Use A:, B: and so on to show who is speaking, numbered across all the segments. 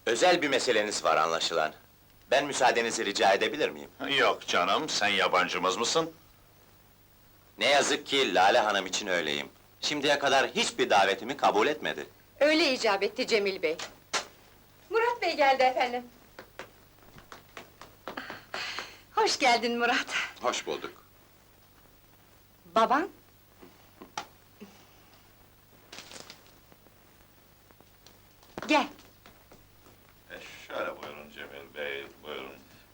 A: Özel bir meseleniz var anlaşılan. Ben müsaadenizi rica edebilir miyim?
B: Yok canım, sen yabancımız mısın?
A: Ne yazık ki Lale Hanım için öyleyim. Şimdiye kadar hiçbir davetimi kabul etmedi.
C: Öyle icap etti Cemil Bey. Murat Bey geldi efendim. Hoş geldin Murat.
A: Hoş bulduk.
C: Baban? Gel.
B: Şöyle buyurun Cemil Bey, buyurun.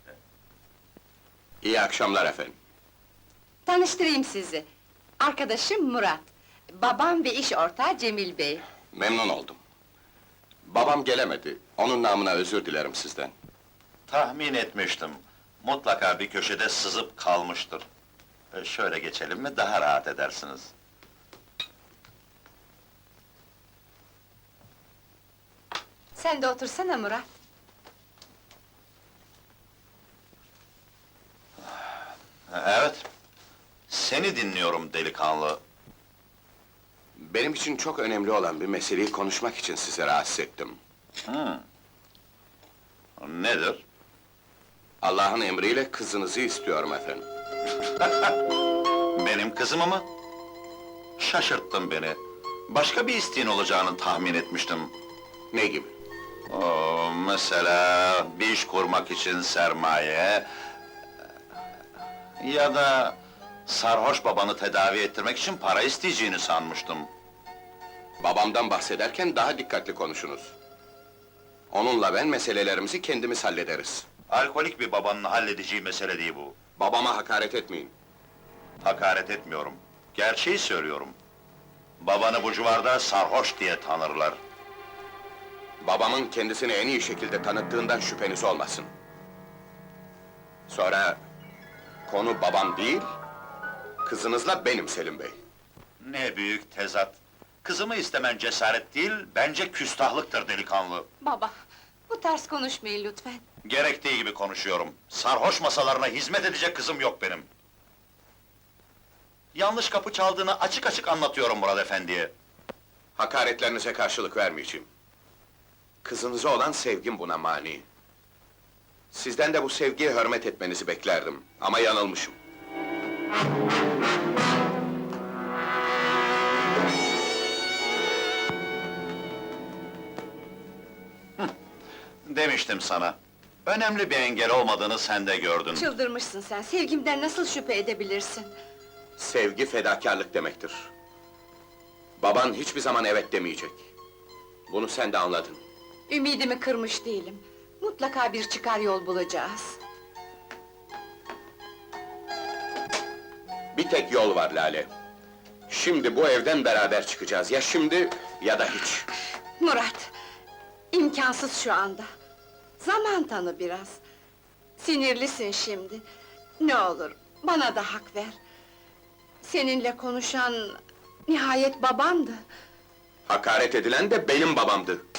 A: İyi akşamlar efendim.
C: Tanıştırayım sizi. Arkadaşım Murat. Babam ve iş ortağı Cemil Bey.
D: Memnun oldum. Babam gelemedi. Onun namına özür dilerim sizden.
B: Tahmin etmiştim. Mutlaka bir köşede sızıp kalmıştır. Şöyle geçelim mi, daha rahat edersiniz.
C: Sen de otursana Murat.
B: Evet, seni dinliyorum delikanlı.
D: Benim için çok önemli olan bir meseleyi konuşmak için sizi rahatsız ettim.
B: Nedir?
D: Allah'ın emriyle kızınızı istiyorum efendim.
B: Benim kızımı mı? Şaşırttın beni. Başka bir isteğin olacağını tahmin etmiştim.
D: Ne gibi?
B: Mesela bir iş kurmak için sermaye... ...ya da sarhoş babanı tedavi ettirmek için para isteyeceğini sanmıştım.
D: Babamdan bahsederken daha dikkatli konuşunuz. Onunla ben meselelerimizi kendimiz hallederiz.
B: Alkolik bir babanın halledeceği mesele değil bu.
D: Babama hakaret etmeyin.
B: Hakaret etmiyorum. Gerçeği söylüyorum. Babanı bu civarda sarhoş diye tanırlar.
D: Babamın kendisini en iyi şekilde tanıttığından şüpheniz olmasın. Sonra... konu babam değil... kızınızla benim Selim Bey.
B: Ne büyük tezat! Kızımı istemen cesaret değil, bence küstahlıktır delikanlı.
C: Baba, bu tarz konuşmayın lütfen.
B: Gerektiği gibi konuşuyorum. Sarhoş masalarına hizmet edecek kızım yok benim. Yanlış kapı çaldığını açık açık anlatıyorum Murat Efendi'ye.
D: Hakaretlerinize karşılık vermeyeceğim. Kızınıza olan sevgim buna mani. Sizden de bu sevgiye hürmet etmenizi beklerdim, ama yanılmışım.
B: Demiştim sana. Önemli bir engel olmadığını sen de gördün.
C: Çıldırmışsın sen, sevgimden nasıl şüphe edebilirsin?
D: Sevgi fedakarlık demektir. Baban hiçbir zaman evet demeyecek. Bunu sen de anladın.
C: Ümidimi kırmış değilim. Mutlaka bir çıkar yol bulacağız.
D: Bir tek yol var Lale. Şimdi bu evden beraber çıkacağız, ya şimdi ya da hiç.
C: Murat, imkansız şu anda. Zaman tanı biraz. Sinirlisin şimdi. Ne olur, bana da hak ver. Seninle konuşan... nihayet babandı.
D: Hakaret edilen de benim babamdı.